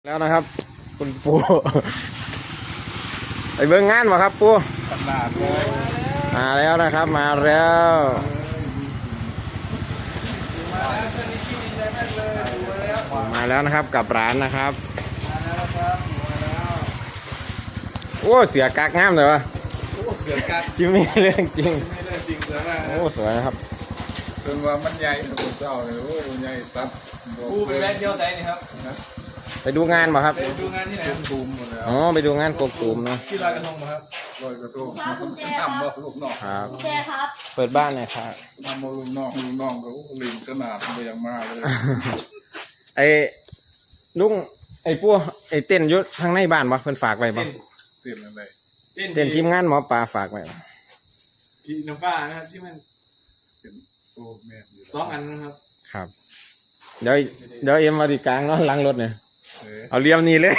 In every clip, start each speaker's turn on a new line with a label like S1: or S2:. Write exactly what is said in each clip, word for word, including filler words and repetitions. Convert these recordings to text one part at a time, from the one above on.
S1: แล้วนะครับคุณปูไปเบิ่งงานมาครับปูมาแล้วนะครับมาแล้วมาแล้วนะครับกับร้านนะครับโอ้เสือกักงามเลยวะ
S2: โอ้เสือกัด
S1: จริงไม่เรื่องจริง
S2: ไม่ได้จริงเสือมาก
S1: โอ้สวยนะครับ
S2: เป็นว่ามันใหญ่ตัวเจ้าเลยโอ้ใหญ่ตัด
S3: ปูไปแวะเดียวไหนนี่ครับ
S1: ไปดูงานมาครับ
S3: ไปดูงานที่ไหน
S2: ตูมหมดแล้ว
S1: อ๋อไปดูงานกบตูมเนาะ
S3: ที่ลอยกระทงมาครับ
S2: ลอยกระทงทำบ่ลูกน้อง
S1: ครับ
S4: เจครับ
S1: เปิดบ้านหน่อยครับ
S2: ทำบ่ลูกน้องลูกน้องก็ลิงขนาดมันยังมาเลย
S1: ไอ้ลุงไอ้ปูไอ้เต้นยุททางในบ้านบ่เพิ่นฝากไว้บ่
S2: เต้นอะไร
S1: เต้นทีมงานหมอปลาฝากไว้
S3: พี่น้ำฟ้านะครับที่มัน
S2: โอ้แม่
S3: สองอันนะครับ
S1: ครับเดี๋ยวเดี๋ยวเอ็มมาดีกลางเนาะล้างรถเนี่ยเอาเรียมนี่เลย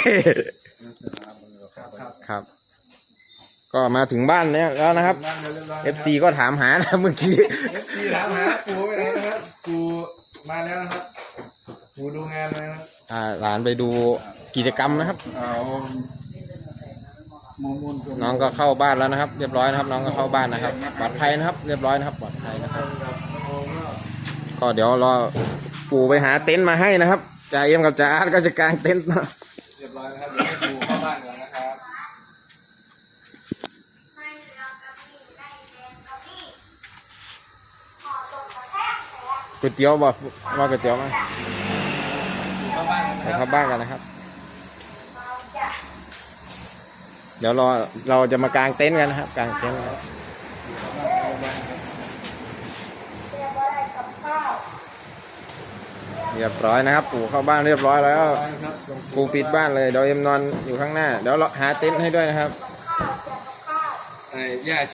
S1: ครับก็มาถึงบ้านเนี่ยแล้วนะครับ เอฟ ซี ก็ถามหานะเมื่อกี้
S3: เอฟ ซี ถามหาปูไปไหนนะครับปูมาแล้วนะครับปูดูงานนะครับ
S1: อ่าหลานไปดูกิจกรรมนะครับน้องก็เข้าบ้านแล้วนะครับเรียบร้อยนะครับน้องก็เข้าบ้านนะครับปลอดภัยนะครับเรียบร้อยนะครับปลอดภัยนะครับก็เดี๋ยวรอปู่ไปหาเต็นท์มาให้นะครับจ่าเอ็มกับจ่าอาร์ตก็จะกางเต็นท์นะ
S3: เรียบร้อยนะครับเดี๋ยวให้ปูเข้าบ้านก่อนนะครับ
S1: ก๋วยเตี๋ยวบอกว่าก๋วยเตี๋ยวมา
S3: เข้าบ้าน
S1: ไปเข้าบ้านกันนะครับเดี๋ยวรอเราจะมากางเต็นท์กันนะครับกางเต็นท์เรียบร้อยนะครับปู่เข้าบ้านเรียบร้อยแล้วปู่ปิดบ้านเลยเดี๋ยวเอ็มนอนอยู่ข้างหน้าเดี๋ยวเราหาเต็นท์ให้ด้วยนะครับ
S3: ไอ้ย่า